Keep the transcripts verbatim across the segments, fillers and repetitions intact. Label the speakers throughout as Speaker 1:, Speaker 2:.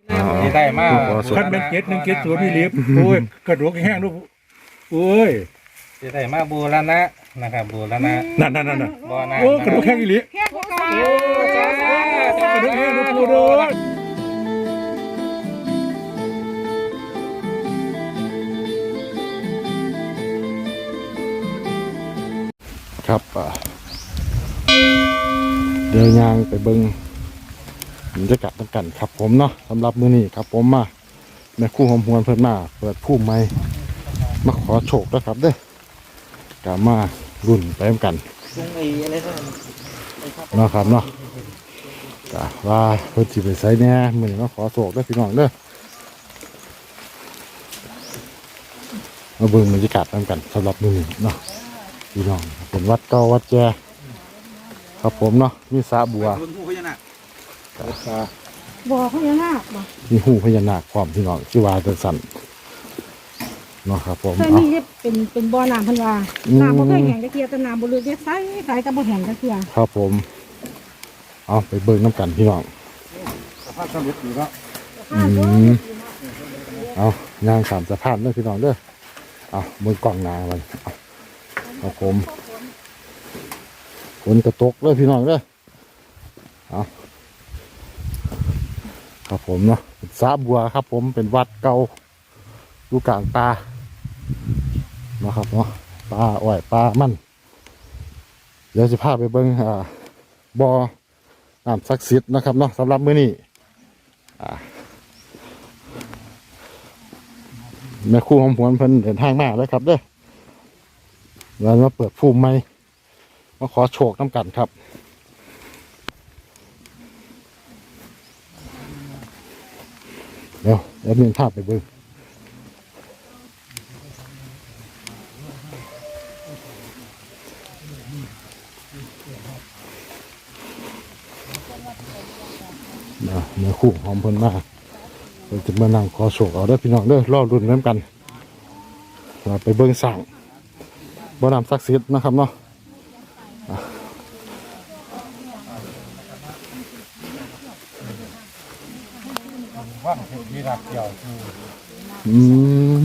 Speaker 1: ที่ได้มา
Speaker 2: คันเป็นเจ็ดหนึ่งเจ็ดศูนย์นี่ลิฟโอ้ยกระดูกแห้งลูกโอ้ย
Speaker 1: ที่ได้มาบูรณะนะครับบูรณะ
Speaker 2: นั่นนั่นนั่น
Speaker 1: บ่อน้ำ
Speaker 2: โอ้กระดูกแห้งอีหลี
Speaker 3: แค่พวกเรา
Speaker 1: โอ้จ้าก
Speaker 2: ระดูกแห้งลูกปูโดนครับเดินยางไปเบิ้งบรรยากาศต่างกันครับผมเนาะสำหรับมื้อนี้ครับผมมาแม่คู่หอมหวนเพิ่นมาเปิดผู้ใหม่มาขอโชคแล้วครับเด้อกามารุ่นไปเหมือนกันเนาะครับเนาะกะว่าเพิ่นสิไปไสแหน่มื้อนี้มาขอโชคเด้อพี่น้องเด้อมาเบิ่งบรรยากาศต่างกันสำหรับมื้อนี้เนาะพี่น้องเป็นวัดเก่าวัดแจครับผมเนาะมีสระบัว
Speaker 3: บ่อพญานาคบ่
Speaker 2: มีหูพญานาคความพี่น้องชื่อว่าจังสันเนาะครับผม
Speaker 3: เคย
Speaker 2: เอา
Speaker 3: มีเฮ็ดเป็นเป็นบ่อน้ำเพิ่นว่า
Speaker 2: อืม
Speaker 3: น้ำบ่เคยแห้งจักเที่ยแต่น้ำบ่ลึกเด้ใสใสแต่บ่แห้งจักเที่ย
Speaker 2: ครับผมเอาไปเบิ่งน้ำกันพี่น้อง
Speaker 1: สภาพสรุปอยู่แล้ว
Speaker 2: อืมเอาย่างสามสะพานเด้อพี่น้องเด้อเอามือกล่องหนามันเอาครับผมฝนกระตกเด้อพี่น้องเด้อเอาครับผมเนาะสระบัวครับผมเป็นวัดเก่าอยู่กลางป่าเนาะครับเนาะป่าอ้อยป่ามันเดี๋ยวจะพาไปเบิ่งอ่าบ่อน้ำศักดิ์สิทธิ์นะครับเนาะสำหรับมื้อนี้อ่าแม่ครู่หอมหวนเพิ่นเดินทางมาแล้วครับเด้อเรามาเปิดภูมิใหม่มาขอโชคน้ำกันครับเดี๋ยวเดี๋ยวมีภาพไปเบิ่งนะเนื้อคู่หอมเพิ่นมาเพิ่นจะมานั่งขอโชคเอาเด้อพี่น้องเด้อรอรุ่นน้ำกันเราไปเบิ่งสั่งบ่อน้ำศักดิ์สิทธิ์นะครับเนาะ
Speaker 1: ว่างที่รักเกี่ยว
Speaker 2: อืม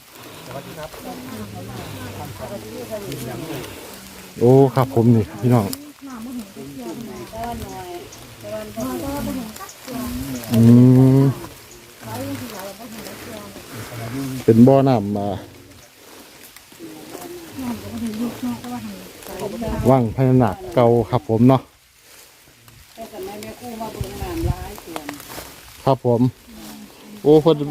Speaker 2: โอ้ครับผมนี่พี่น้องอืมเป็นบ่อน้ำมาว่างพญานาคเก่าครับผมเนาะครับผมโอ้เพิ่น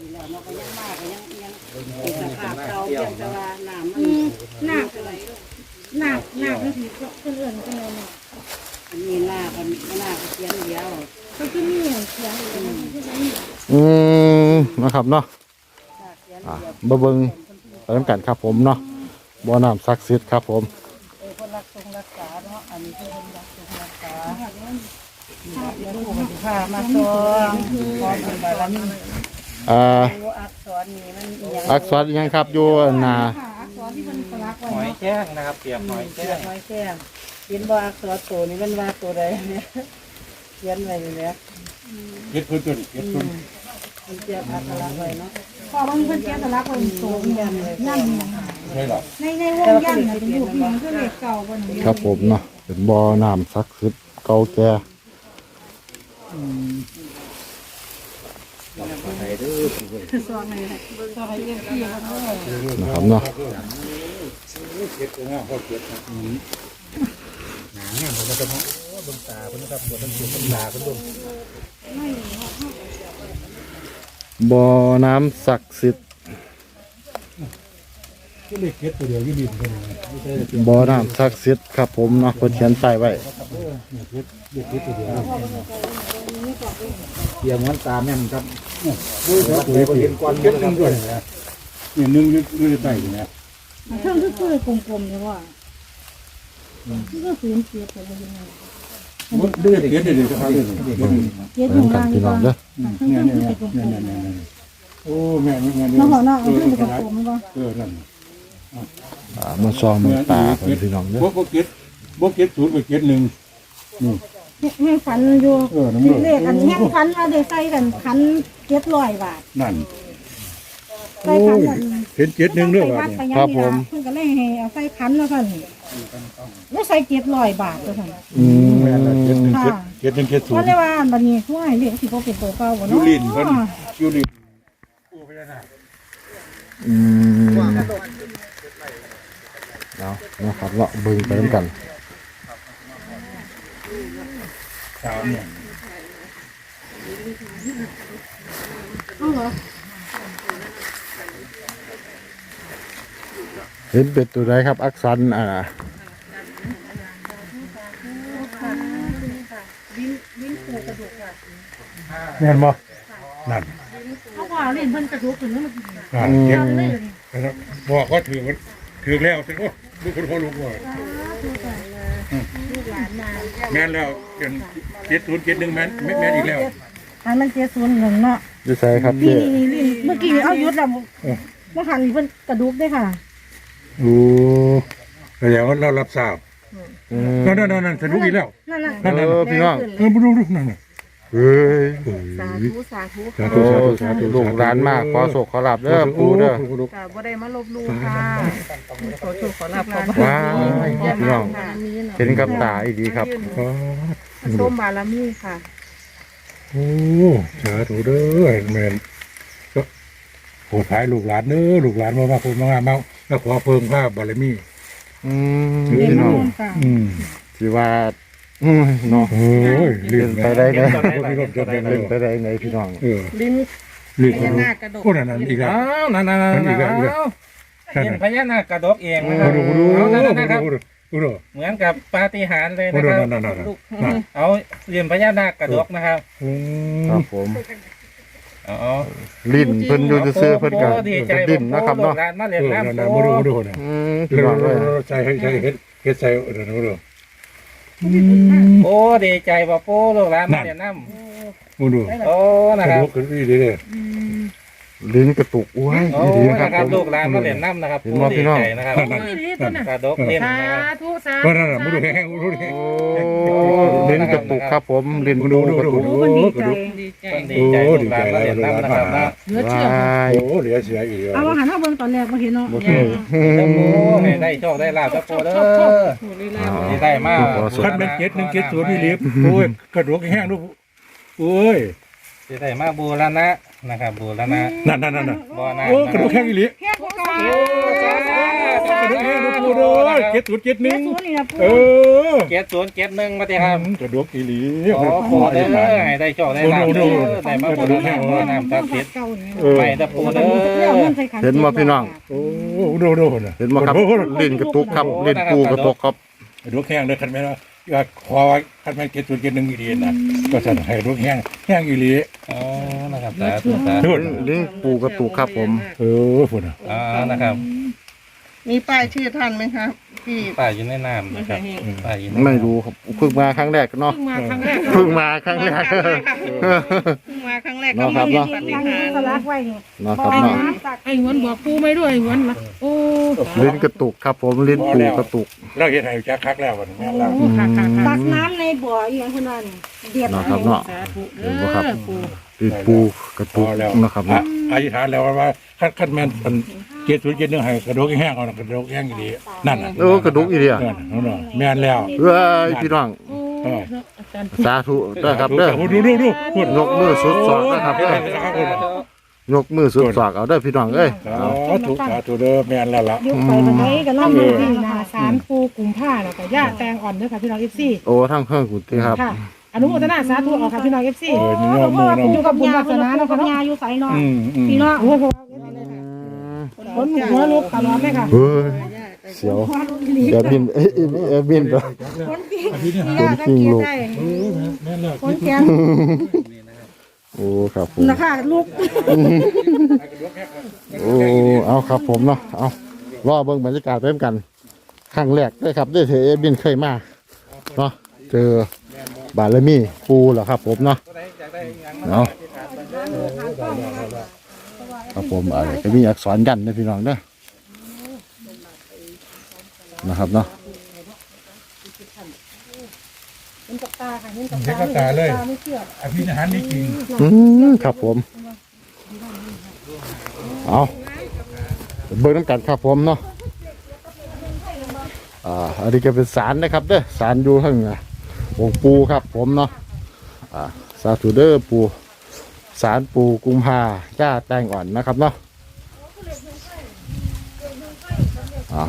Speaker 3: อืมนาคนาคนาคนี่สิเพิ่นเอิ้นจังได๋เนาะ
Speaker 4: อันนี้ลากันลาเสียงเดียว
Speaker 3: ก็คือมีเสียงอยู่นะคือจังนี้
Speaker 2: อืมนะครับเนาะอ่าบ่เบิ่งไปนำกันครับผมเนาะบ่อน้ำศักดิ์สิทธิ์ครับผม
Speaker 4: เออคนรักทรงรักษาเนาะอันนี้คือคนรักทรงรักษาเดี๋ยวผู้ปฏิภามาตองขอเป็นบารมี
Speaker 2: อ่า
Speaker 4: ตัวอักษรนี่มันอีหยัง
Speaker 2: อักษรอิหยังครับอยู่หน้า
Speaker 3: ค่ะอักษรที่เพิ่นสลักไว้
Speaker 1: หอย
Speaker 3: เนาะ
Speaker 1: แจ้งนะครับเปียกหอย
Speaker 4: เขี
Speaker 1: แจ้
Speaker 4: ย
Speaker 1: ง
Speaker 4: นไว้แค่เขียนบ่อักษรตัวนี้มันว่าตัวใดเนี่ยเขียนไว้นี่แหละ
Speaker 1: เก็ดพื้นตัวนี้เก็ดพื้น
Speaker 4: มันเจียบอักษรไว้เนาะ
Speaker 3: พอมันเพิ่นเขียนสลักไว้โตยันยัน
Speaker 1: ใช่หรอ
Speaker 3: ในในวงยันน่ะเป็นรูปหยังคือเลขเก่าบ่นี่
Speaker 2: ครับผมเนาะเป็นบ่อน้ำศักดิ์สิทธิ์เก่าแก่
Speaker 3: ซองนี่ซองให้เรียกพี่เนาะ
Speaker 2: นะครับเนาะ
Speaker 1: เก็ดตัวนี้เขาเก็ดอืมหนาเนี่ยผมจะต้องดวงตาเพิ่นนะครับบวชต้องเก็ดดวงตาเพิ่นดวง
Speaker 2: บ่อน้ำศักดิ์สิทธิ์
Speaker 1: ก็เลยเก็ดตัวเดียวยี่ดินเพิ่นไม่ใช่เก็ด
Speaker 2: บ่อน้ำศักดิ์สิทธิ์ครับผมเนาะเพิ่นเขียนป้ายไว้
Speaker 1: เนี่ยเก็ดเก็ดเก็ดตัวเดียวเกี่ยวมันตาแม่นครับด้วยครับตัวเห็นก้อนเก็ดนึงด้วยนะเนี่ยนึงอยู่ในใต้นี่นะ
Speaker 3: เทิงคือคือกลมๆเนี่ยว่าคือก็ศูนย์เจ็ดไปบ่ยังไง
Speaker 1: เดือดเดือดเดือดครับเดือดเดือด
Speaker 3: เจ็ด
Speaker 2: เห
Speaker 3: อ
Speaker 2: มือยู่ นกัน
Speaker 3: ล่าง
Speaker 2: พี่น้องเด้อ
Speaker 3: เทิง
Speaker 1: เนี่ย
Speaker 3: คือ
Speaker 1: เนี่ย
Speaker 3: เป็นกล
Speaker 1: เนี่ย
Speaker 3: ม
Speaker 1: เนี่ยเนี่ยโอ้แม่แม่
Speaker 3: ๆเนาะพ่อเนาะเอาเทิงเป็นกลมๆบ่
Speaker 1: เออนั่น
Speaker 2: อ่ามาซองมือตาเพิ่นพี่น้องเด้อ
Speaker 1: บ่บ่เก็ดบ่เก็ดศูนย์บ่เก็ดหนึ่งนี่
Speaker 3: แม่ฝันอยู่
Speaker 1: เออน้ำเลือด
Speaker 3: เลขอันแม่ฝันว่าได้ใส่กันขันเจ็ดร้อยบาท
Speaker 1: นั่น
Speaker 3: ใส่ขันกัน
Speaker 1: เห็นเจ็ดหนึ่งเรื่อง
Speaker 3: ไป
Speaker 1: ว่า
Speaker 3: วัดไป
Speaker 1: เนี่ย
Speaker 3: ยังนี่ล่ะเพิ่นก็เลยให้เอาใส่ขันแล้วท่านแล้วใส่เจ็ดร้อยบาทแล้วท่าน
Speaker 2: อืม
Speaker 1: แม่นละเจ็ดหนึ่งเจ็ดเจ็ดหนึ่งเจ็ดศูน
Speaker 3: ว่า
Speaker 1: ย์
Speaker 3: ได้ว่าบัดนี้ผู้ให้เลขสิบ่เป็นตัวเก่าบ่
Speaker 1: ยู
Speaker 3: เนาะ
Speaker 1: รินเพิ่นยูริน
Speaker 2: อืมเอานะครับเลาะเบิ่งไปด้วยกัน
Speaker 1: สามเนี่ย
Speaker 3: เอาเหรอ
Speaker 2: เห็นเป็ดตัวใดครับ อักษรอ่า
Speaker 1: แม่นบ่นั่น
Speaker 3: เอาว่าเล่นเพิ่นกระดูกขึ้นแล้วมัน
Speaker 1: อ่าเจ็ดนะครับบอกว่าถือมันถือแล้วสิโอ้ลูกคนพ่อลูกว่าแม่นแล้วเป็นเจ็ดศูนย์เจ็ดหนึ่งแม่นแม่นอีกแล้ว
Speaker 3: อันมันเจ็ดศูนย์หนึ่งเนาะ
Speaker 2: อยู่ใส่ครับ
Speaker 3: นี่
Speaker 2: เจ๊
Speaker 3: นี่นี่เมื่อกี้เอายุดแล้วเมื่อหันนี่เพิ่นกระดูกได้ค่ะ
Speaker 1: โอ้แสดงว่าเรารับทราบ
Speaker 2: อืม
Speaker 1: นั่นนั่นนั่นสนุกอีกแล้ว
Speaker 3: นั่นน่ะ
Speaker 1: นั่นนั่น
Speaker 2: เออพี่น้อง
Speaker 1: เออมาดูดูนั่นน่ะ
Speaker 2: เฮ้ย
Speaker 3: สาธุสาธุ
Speaker 1: สา
Speaker 2: โอ้
Speaker 1: ธุสาธุสาธุ
Speaker 2: ลูกร้านมากขอโศกขอหลับเด้อปูเด้อ
Speaker 4: ค่ะบ่ได้มาลบลู่ค่ะขอโชคขอลาภขอ
Speaker 2: ว้ายพี่น้องเห็นกับตาอีดีครับ
Speaker 1: อ๋อ
Speaker 4: ส้มบารมีค่ะ
Speaker 1: โอ้สาธุเด้อแม่นก็โหดท้ายลูกหลานเด้อลูกหลานมามาคนมามาแล้วขอเพิ่มภาพบารมี
Speaker 2: อืม
Speaker 1: เดี๋ยว
Speaker 2: พี่น้อง
Speaker 1: อืม
Speaker 2: สิว่าอืมเนาะ
Speaker 1: โอ้ยเลื่อน
Speaker 2: ไปได้ไหน
Speaker 1: พี่รถจนได้เล
Speaker 2: เล่
Speaker 1: ย
Speaker 2: นไปได้ไหนพี่น้อง
Speaker 1: เออ
Speaker 4: ลิ้น
Speaker 1: เลื่อน
Speaker 4: พญานาคกระดก
Speaker 1: โอ้นั่นนั่นอีกแล้ว
Speaker 5: อ้าวนั่นนั่นนั่น
Speaker 1: นั่นอีกแล้วอีกแล้ว
Speaker 5: เห็นพญานาคกระดกเองนะค
Speaker 1: มา
Speaker 5: รับ
Speaker 1: ดูมาดู
Speaker 5: เอา
Speaker 1: มา
Speaker 5: นั่น
Speaker 1: ดู
Speaker 5: นะครับ
Speaker 1: มาดูมาดู
Speaker 5: เหมือนกับปาฏิหาริย์เลย
Speaker 1: มา
Speaker 5: นะ
Speaker 1: ดู
Speaker 5: ครับ
Speaker 1: นั่นนั่นนั่นนั่น
Speaker 5: เอาเหรียญพญานาคกระดกนะครับ
Speaker 1: อืม
Speaker 2: ครับผม
Speaker 5: อ๋อ
Speaker 2: ลิ้นเพิ่นอยู่ซื่อๆเพิ่นก็
Speaker 5: โอ้ดีใจ
Speaker 2: ดิ้นนะครับเนาะ
Speaker 5: โอ้ลูกหลานมาเรียน
Speaker 1: เออนั่น
Speaker 5: น้ำ
Speaker 1: นั่น
Speaker 5: โอ้
Speaker 1: มาดูมาดูเนี่ย
Speaker 2: อืมพี่
Speaker 1: เรา
Speaker 2: น้องเลย
Speaker 1: ใส่ให้ใส่เฮ็ดเฮ็ดใส่เดี๋ยวมาดู
Speaker 5: โอ้ดีใจบ่โป้ลูกหลาน
Speaker 1: นั่
Speaker 5: มาน เรียนน้ำ
Speaker 1: มาดู
Speaker 5: โอ้นะ
Speaker 1: ก
Speaker 5: ค
Speaker 1: ระ
Speaker 5: รับ
Speaker 1: ดูกขึ้นอีเด้อ
Speaker 2: ลิ้นกระตุกอ้วย
Speaker 5: โอ้
Speaker 2: อีดีนะค
Speaker 5: นะ
Speaker 2: รับ
Speaker 5: ครับ
Speaker 2: ผม
Speaker 5: ลูกหลานมาเรียนน้ำนะครับ
Speaker 2: เห็นบ่พี่น้อง
Speaker 5: ดีใจนะครับ
Speaker 1: นั่น
Speaker 5: กระดกเรียน
Speaker 4: สา
Speaker 5: นะครับ
Speaker 4: ธุสา
Speaker 1: ว่า
Speaker 4: ธุ
Speaker 1: นั่นน่ะมาดูแห้งมาดูแห้ง
Speaker 2: โอ้ลิ้นกระตุกครับผมลิ้น
Speaker 1: มา
Speaker 2: ดู
Speaker 1: ดู
Speaker 2: กระ
Speaker 1: ดู
Speaker 2: ตุก
Speaker 1: ดู
Speaker 4: โอ้
Speaker 1: ดู
Speaker 4: ดีใจ
Speaker 1: ดู
Speaker 4: ดีใจ
Speaker 5: ดีใจลูกหลานมาเรียนน้ำนะครับนะ
Speaker 4: เหลือเชื่อ
Speaker 2: ว้าย
Speaker 1: โอ้เหลือเสียอีกแล้ว
Speaker 3: เอาอาหารเอาเบิ่งตอนแรกบ่เห็นเนาะ
Speaker 2: บ่เคย
Speaker 5: จะโป้ให้ได้โชคได้ลาภจะโป้เด้อที่ได้มาก
Speaker 1: ขั้นเป็นเจ็ดหนึ่งเจ็ดศูนย์นี่ลิฟโอ้ยกระดูกแห้งดูโอ้ย
Speaker 5: ที่ได้มาบูรณะนะครับบูรณะ
Speaker 1: นั่นนั่นนั่น
Speaker 5: บ่อน้ำ
Speaker 1: โอ้กระดูกแห้งอีหลี
Speaker 3: แค่ผู้กอง
Speaker 5: โอ้จ้าก
Speaker 1: ระดูกแห้งดูปูเด้อเจ็ดศูนย์เจ็ดห
Speaker 3: เจ็
Speaker 1: นึ่
Speaker 3: ด
Speaker 1: ง
Speaker 3: ศูนย์นี่นะปู่
Speaker 1: เออ
Speaker 5: เจ็ดศูนย์เจ็ดหนึ่งมาตีครับ
Speaker 1: กระดูกอีหลี
Speaker 5: โอ้โหเด้อให้ได้โชคได้ลาภเด้อได้มาบูรณะบ่อน้ำศักดิ์สิทธิ์
Speaker 3: เก่านี่
Speaker 1: เออ
Speaker 5: ไม่ตะปูเด้อ
Speaker 2: เห็นบ่พี่น้อง
Speaker 1: โอ้ดูดูนะ
Speaker 2: เห็นบ่ครับลิ้นกระตุกครับลิ้นปูกระตุกครับ
Speaker 1: กระดูกแห้งเลยคันแม่ว่าอยากขอคันแม่เจ็ดศูนย์เจ็ดหนึ่งอีหลีนะก็สั่นให้กระดูกแห้งแห้งอีหลี
Speaker 5: อ๋อนะครับสาธุสาธุ
Speaker 1: ทุน
Speaker 2: ลิ้นปูกระตุกครับผม
Speaker 1: เออพุ่นน่ะ
Speaker 5: อ๋อนะครับ
Speaker 4: มีป้ายชื่อท่านไหมครับพี่
Speaker 5: ป้าอยู่ในน้ำนะครับป้าอยู่ในน้ำ
Speaker 2: ไม่รู้ครับเพิ่งมาครั้งแรกเนาะ
Speaker 4: เพิ่งมาครั้งแรก
Speaker 2: เพิ่งมาครั้งแรก
Speaker 4: เพิ่งมาครั้งแรก
Speaker 2: เนาะครับเนาะ
Speaker 4: ปฏิ
Speaker 3: ทาง
Speaker 4: หา
Speaker 3: นี้
Speaker 4: ร
Speaker 3: ก็รักไว้นี่
Speaker 2: เนาะครับเนาะ
Speaker 6: ไอ้หวนบอกปูไม่ด้วยไอ้หวนละโอ้
Speaker 2: ลิ้นกระตุกครับผมลิ้นปูกระตุก
Speaker 1: เราเห็นให้จักคักแล้ววันนี้แล้ว
Speaker 6: โอ้ค่ะค่ะค่ะ
Speaker 3: ตักน้ำในบ่ออีหยังคนนั้นเดือด
Speaker 2: เนาะครับเนาะ
Speaker 6: สาธุ
Speaker 2: เห็นบ่
Speaker 6: เด้
Speaker 2: ครับ
Speaker 6: อปู
Speaker 2: ลิ้นปูกระ
Speaker 1: พ
Speaker 2: ตุ
Speaker 1: อก แล้ว
Speaker 2: นะครับเนาะ
Speaker 1: อธิษฐานแล้วว่าคันคันแม่นเป็นเจ็ดศูนย์เจ็ดหนึ่งให้กระดูกแห้งเอากระดูกแห้งอีหลีนั่นน่ะ
Speaker 2: โอ้กระดูกอีเดีย
Speaker 1: นั่นน่ะแม่นแล้ว
Speaker 2: เอ้ยพี่น้อง
Speaker 6: โอ้เนาะอาจารย์
Speaker 2: สาธุเด้อครับเด้อ
Speaker 1: ดูดูดูพุ่น
Speaker 2: ยกมือสุดศอกนะครับเด้อยกมือสุดศอกเอาเด้อพี่น้องเอ้ย
Speaker 1: สาธุสาธุเด้อแม่นแล้วล่ะ
Speaker 3: ยุคไปมันไหนกันน้ำมือที่
Speaker 6: นาสารปูกลุ่มผ้าแล้วก็ย่าแตงอ่อนเด้อค่ะพี่น้องเอฟซี
Speaker 2: โอ้ทั้งเครื่องกุฏิครับ
Speaker 6: ค่ะอนุโมทนาสาธุเอาค่ะพี่น้องเอฟซี
Speaker 1: เออนี่น้องมือน้อง
Speaker 3: อยู่กับบุญวาสนาเนาะค่ะยาอยู่ไสเนาะ
Speaker 1: อืมอืม
Speaker 3: พี่เนาะ
Speaker 6: โอ้โหคนหัวลุกตลอดเลยค่ะ
Speaker 2: เฮ้ยเสียวแอบบินเอ้ยแอบบินตัว
Speaker 3: คนที่
Speaker 1: พี่นี่
Speaker 3: ที่
Speaker 1: หา
Speaker 3: ยาสังเกตได้
Speaker 1: เออแม่นแล้ว
Speaker 3: คนแก่
Speaker 2: โอ้ครับผม
Speaker 3: นะคะลูก
Speaker 2: โอ้เอาครับผมเนาะเอารอเบิ่งบรรยากาศไปกันครั้งแรกได้ครับได้เทเอบินเคยมาเนาะเจอบารมีปูเหรอครับผมเนาะเอาครับผมอะไรก็มีอักษรยันนะพี่น้องเด้อนะครับเนาะ
Speaker 3: เห็นกับตาค่ะเห็นกับ
Speaker 1: เห็น
Speaker 3: ตา
Speaker 1: กับตาเลย
Speaker 3: ไม่เชื่อ
Speaker 1: อภินิหารนี่จริง
Speaker 2: อืมครับผมเอาเบิ่งน้ำกันครับผมเนาะอ่าอันนี้ก็เป็นศาลนะครับเด้อศาลอยู่ข้างอ่ะองค์ปูครับผมเนาะอ่าสาธุเด้อปูศาลปูกุมภาจ้าแตงอ่อนนะครับเนาะอ่า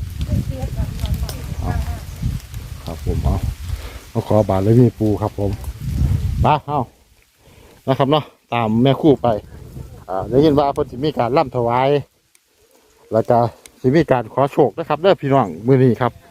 Speaker 2: เอาครับผมเอาเอาขอบาทเลยมีปูครับผมไปเอานะครับเนาะตามแม่คู่ไปอ่าได้ยินว่าเพิ่นสิมีการร่ำถวายแล้วก็สิมีการขอโชคนะครับเด้อพี่น้องมื้อนี้ครับ